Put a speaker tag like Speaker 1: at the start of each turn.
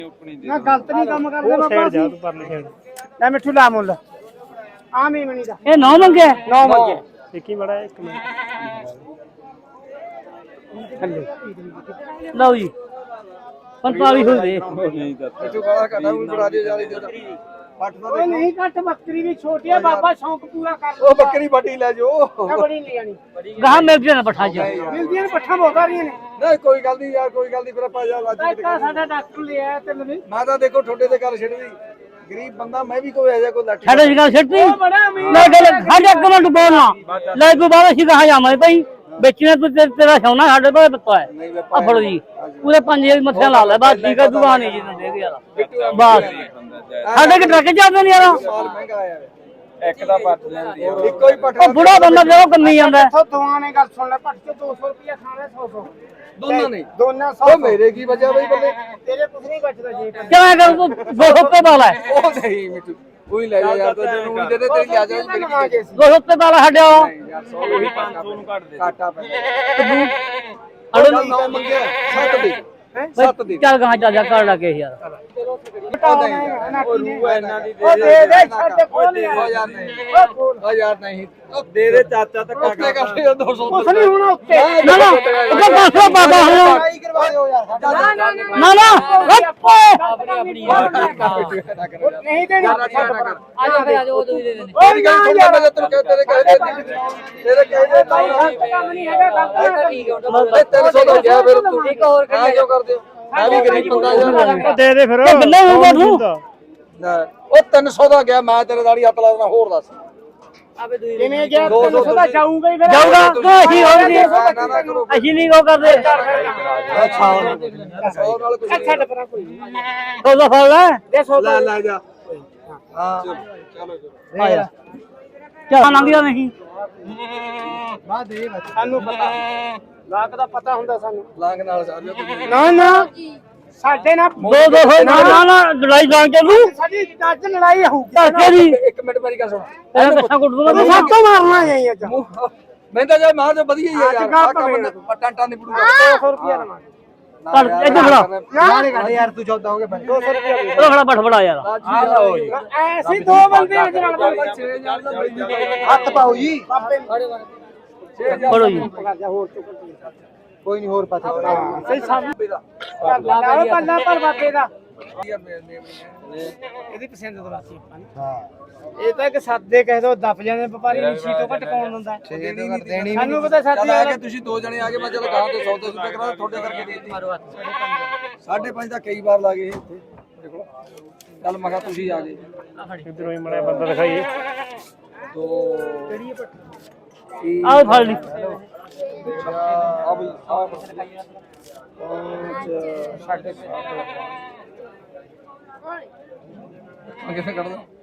Speaker 1: ਨਾ ਗਲਤ ਨਹੀਂ ਕੰਮ ਕਰਦੇ ਬਾਬਾ
Speaker 2: ਜਾ ਤੂੰ ਪਰਲੀ ਸਾਈਡ
Speaker 1: ਲੈ ਮਿੱਠੂ ਲਾ ਮੁੱਲ ਆਮ ਹੀ ਮਣੀ ਦਾ
Speaker 3: ਇਹ 9 ਮੰਗੇ
Speaker 1: 9 ਮੰਗੇ
Speaker 2: ਦੇਖੀ ਮੜਾ ਇੱਕ ਮਿੰਟ
Speaker 1: ਥੱਲੇ
Speaker 3: ਲਓ ਜੀ 45 ਹੋ ਗਏ
Speaker 4: ਤੂੰ ਗਾਲਾ ਘਟਾ ਉਹ ਬੜਾ ਦੇ ਜਾਲੀ ਦੇ
Speaker 1: ਓਏ ਨਹੀਂ ਘੱਟ ਬੱਕਰੀ ਵੀ ਛੋਟੀ ਆ ਬਾਬਾ ਸ਼ੌਂਕ ਪੂਰਾ ਕਰ
Speaker 4: ਉਹ ਬੱਕਰੀ ਵੱਡੀ ਲੈ ਜੋ
Speaker 1: ਬੜੀ ਨਹੀਂ ਜਾਣੀ
Speaker 3: ਗਾਹ ਮਿਲ ਜਾਣਾ ਪੱਠਾ ਚ
Speaker 1: ਮਿਲਦੀਆਂ ਨੇ ਪੱਠਾ ਬਹੁਤ ਆ ਰਹੀਆਂ ਨੇ
Speaker 4: ਨਹੀਂ ਕੋਈ ਗੱਲ ਨਹੀਂ ਯਾਰ ਕੋਈ ਗੱਲ ਨਹੀਂ ਫਿਰ ਆਪਾਂ ਜਾ ਅੱਜ
Speaker 1: ਤਾਂ ਸਾਡਾ ਡਾਕਟਰ ਲਿਆ ਤੇ ਮੈਨੂੰ
Speaker 4: ਮੈਂ ਤਾਂ ਦੇਖੋ ਠੋਡੇ ਤੇ ਗੱਲ ਛੱਡਦੀ ਗਰੀਬ ਬੰਦਾ ਮੈਂ ਵੀ ਕੋਈ ਐਜਾ ਕੋਈ ਲੱਠ
Speaker 3: ਸਾਡੇ ਸ਼ਿਕਾਰ ਛੱਟੀ
Speaker 1: ਉਹ ਬੜਾ ਅਮੀਰ
Speaker 3: ਲੈ ਗੱਲ ਸਾਡੇ ਇੱਕ ਮਿੰਟ ਬੋਲਣਾ ਲੈ ਕੋਈ ਬਾਬਾ ਸੀ ਕਹਾ ਜਾਵਾਂ ਭਾਈ ਵੇਚਣਾ ਤੂੰ ਤੇਰਾ ਸੋਨਾ ਸਾਡੇ ਕੋਲ ਪਤਾ ਹੈ ਆ ਫੜੋ ਜੀ ਪੂਰੇ 5000 ਮੱਥਿਆਂ ਲਾ ਲੈ ਬਸ ਠੀਕ ਹੈ ਦੁਕਾਨ ਨਹੀਂ ਜੀ ਦੇ ਯਾਰ ਬਸ ਸਾਡੇ ਕਿ ਟਰੱਕ ਚੱਲਦੇ ਨਹੀਂ ਯਾਰ
Speaker 4: ਮਾਲ ਮਹਿੰਗਾ ਆਇਆ
Speaker 2: ਇੱਕ ਦਾ ਪੱਟ ਲੈਂਦੀ ਆ
Speaker 4: ਇੱਕੋ ਹੀ ਪੱਠ
Speaker 3: ਉਹ ਬੁੜਾ ਬੰਦਾ ਜਿਹੜਾ ਕੰਨੀ ਜਾਂਦਾ
Speaker 1: ਇੱਥੋਂ ਦੋਵਾਂ ਨੇ ਗੱਲ ਸੁਣ ਲੈ ਪੱਟ ਕੇ 200 ਰੁਪਏ ਖਾਣਾ 100
Speaker 4: ਦੋਨਾਂ ਨੇ
Speaker 1: ਦੋਨਾਂ 100
Speaker 4: ਉਹ ਮੇਰੇ ਕੀ ਬਚਿਆ ਬਈ ਬੱਲੇ
Speaker 1: ਤੇਰੇ ਕੁਝ ਨਹੀਂ ਬਚਦਾ ਜੀ
Speaker 3: ਕਿਵੇਂ ਕਰ ਤੂੰ 200 ਰੁਪਏ ਪਾ ਲੈ
Speaker 4: ਉਹ ਨਹੀਂ ਮਿੱਟੂ ਉਹੀ ਲੈ ਜਾ ਯਾਰ ਤੈਨੂੰ ਵੀ ਦੇ ਦੇ ਤੇਰੀ ਲਿਆ ਜਾ ਮੇਰੀ
Speaker 3: 200 ਰੁਪਏ ਪਾ ਲੈ ਛੱਡਿਆ
Speaker 4: ਯਾਰ 100 ਉਹੀ 500 ਨੂੰ ਘੱਟ ਦੇ ਘਾਟਾ ਪੈਂਦਾ ਅੜੋ ਨਾ ਮੰਗਿਆ 7 ਦੇ 7 ਦੇ
Speaker 3: ਚੱਲ ਗਾਂ ਚੱਲ ਜਾ ਕਰ ਲੱਗੇ ਯਾਰ
Speaker 4: ਉਹ ਰੂ ਇਹਨਾਂ ਦੀ
Speaker 1: ਉਹ ਦੇ ਦੇ ਛੱਡ ਕੋਲ
Speaker 4: ਯਾਰ ਨਹੀਂ ਉਹ ਯਾਰ ਨਹੀਂ
Speaker 2: ਦੇ ਦੇ ਚਾਚਾ ਧੱਕਾ
Speaker 4: ਉੱਤੇ ਕਰ 200
Speaker 1: ਕੁਛ ਨਹੀਂ ਹੋਣਾ ਉੱਤੇ
Speaker 3: ਨਾ ਨਾ ਉਹਦਾ 500 ਪਾਪਾ ਹੁਣ
Speaker 4: ਲੜਾਈ ਕਰਵਾ ਦਿਓ ਯਾਰ
Speaker 3: ਨਾ ਨਾ
Speaker 1: ਨਹੀਂ ਦੇਣੀ
Speaker 3: ਆ ਜਾ ਉਹ ਤੁਸੀਂ ਦੇ ਦੇਣੇ
Speaker 4: ਮੇਰੀ ਗੱਲ ਸੁਣ ਲੈ ਮੈਂ ਤੈਨੂੰ ਕਹਿ ਤੇਰੇ ਕਹੇ ਤੇਰੇ ਕਹੇ ਦੇ
Speaker 1: ਕੰਮ ਨਹੀਂ ਹੈਗਾ ਗਲਤ
Speaker 4: 300 ਦਾ ਗਿਆ ਫਿਰ ਤੂੰ ਇੱਕ ਹੋਰ ਕਿਉਂ ਕਰਦੇ ਹੋ ਮੈਂ ਵੀ ਗਰੀਬ ਬੰਦਾ ਯਾਰ
Speaker 2: ਦੇ ਦੇ ਫਿਰ
Speaker 3: ਬੰਦਾ ਹੋਊਗਾ ਤੂੰ
Speaker 4: ਉਹ 300 ਦਾ ਗਿਆ ਮੈਂ ਤੇਰੇ ਦਾੜੀ ਹੱਥ ਲਾ ਦੇਣਾ ਹੋਰ ਦੱਸ
Speaker 1: ਜਿਵੇਂ ਗਿਆ 300 ਦਾ ਜਾਊਗਾ ਹੀ ਫਿਰ
Speaker 3: ਜਾਊਗਾ ਅਸੀਂ ਹੋਰ ਨਹੀਂ
Speaker 4: ਨਾ ਨਾ ਕਰੋ
Speaker 3: ਅਸੀਂ ਨਹੀਂ ਕੋ ਕਰਦੇ
Speaker 4: ਅੱਛਾ 100 ਨਾਲ ਕੁਝ
Speaker 1: ਛੱਡ ਪਰਾਂ ਕੋਈ
Speaker 3: ਉਹਦਾ ਫੜ ਲੈ
Speaker 1: ਦੇ 100
Speaker 4: ਲੈ ਲੈ ਜਾ ਹਾਂ ਚਲੋ
Speaker 3: ਆ ਜਾ ਚੱਲ ਲੰਘਿਆ ਨਹੀਂ
Speaker 1: ਬਾਅਦ ਦੇ ਸਾਨੂੰ ਪਤਾ ਲਾਕ ਦਾ ਪਤਾ ਹੁੰਦਾ ਸਾਨੂੰ
Speaker 4: ਲਾਂਗ ਨਾਲ ਸਾਰਿਓ ਤੁਸੀਂ
Speaker 1: ਨਾ ਨਾ ਸਾਡੇ ਨਾਲ
Speaker 3: ਦੋ ਹੋਏ ਨਾ ਨਾ ਲੜਾਈ ਜਾਂ ਚੱਲੂ
Speaker 1: ਸਾਡੀ ਅੱਜ ਲੜਾਈ ਹੋਊਗੀ
Speaker 3: ਧਰਕੇ ਦੀ
Speaker 4: ਇੱਕ ਮਿੰਟ ਮੇਰੀ ਗੱਲ ਸੁਣ
Speaker 3: ਤੇਰਾ ਕੱਛਾ ਕੁੱਟ ਦੂੰਗਾ
Speaker 1: ਤੂੰ ਸਭ ਤੋਂ ਮਾਰਨਾ ਜਾਈ ਅੱਜ
Speaker 4: ਮੈਂ ਤਾਂ ਜੇ ਮਾਂ ਤੇ ਵਧੀਆ ਹੀ ਆ ਯਾਰ ਆ ਕੰਮ ਪਟਾਂਟਾ ਨਹੀਂ ਪੜੂਗਾ
Speaker 1: 200 ਰੁਪਏ ਲਵਾਂਗੇ
Speaker 3: ਕਰ ਇੱਥੇ ਖੜਾ
Speaker 4: ਨਾਲੇ ਘੱਟ ਯਾਰ ਤੂੰ 14 ਹੋ ਗਏ 200 ਰੁਪਏ
Speaker 3: ਉਹ ਖੜਾ ਬਠ ਬੜਾ ਯਾਰ
Speaker 4: ਆ ਲਓ ਜੀ
Speaker 1: ਐਸੀ ਦੋ ਬੰਦੇ ਅੱਜ ਨਾਲ
Speaker 4: ਹੱਥ ਪਾਓ ਜੀ
Speaker 3: ਫੜੋ ਜੀ
Speaker 1: ਹੋਰ
Speaker 4: ਕੋਈ ਨਹੀਂ ਹੋਰ ਪਤਾ
Speaker 1: ਸਹੀ ਸਾਹਮਣੇ ਪੱਲਾ ਪਰ ਬਾਬੇ ਦਾ ਇਹਦੀ ਪਸੰਦ ਤੋਂ ਰਾਸੀ ਆਪਾਂ ਨੇ
Speaker 4: ਹਾਂ
Speaker 1: ਇਹ ਤਾਂ ਇੱਕ ਸਾਦੇ ਕਹਿ ਦੋ ਦੱਬ ਜਾਂਦੇ ਵਪਾਰੀ ਨੀਸ਼ੀ ਤੋਂ ਘਟ ਕੌਣ ਦਿੰਦਾ
Speaker 4: ਦੇਣੀ
Speaker 1: ਸਾਨੂੰ ਪਤਾ ਸਾਦੇ
Speaker 4: ਚੱਲ ਆ ਕੇ ਤੁਸੀਂ ਦੋ ਜਣੇ ਆ ਗਏ ਮੈਂ ਚਲ ਗਾਂ ਤੋਂ ਸੌਦਾ ਸੁਦਾ ਕਰਾ ਤੁਹਾਡੇ ਕਰਕੇ ਦੇ ਦਿੱਤੀ 5.5 ਦਾ ਕਈ ਵਾਰ ਲੱਗੇ ਇੱਥੇ ਦੇਖੋ ਚੱਲ ਮੈਂ ਕਿਹਾ ਤੁਸੀਂ ਆ ਗਏ
Speaker 2: ਇਧਰੋਂ ਹੀ ਮੜਿਆ ਬੰਦਾ ਦਿਖਾਈਏ
Speaker 4: ਦੋ ਕਿਹੜੀ
Speaker 3: ਆਓ ਫੜ ਲਈ
Speaker 4: ਆ ਬਈ ਆ ਸਾਡੇ ਕਿਵੇਂ ਕੱਢਦਾ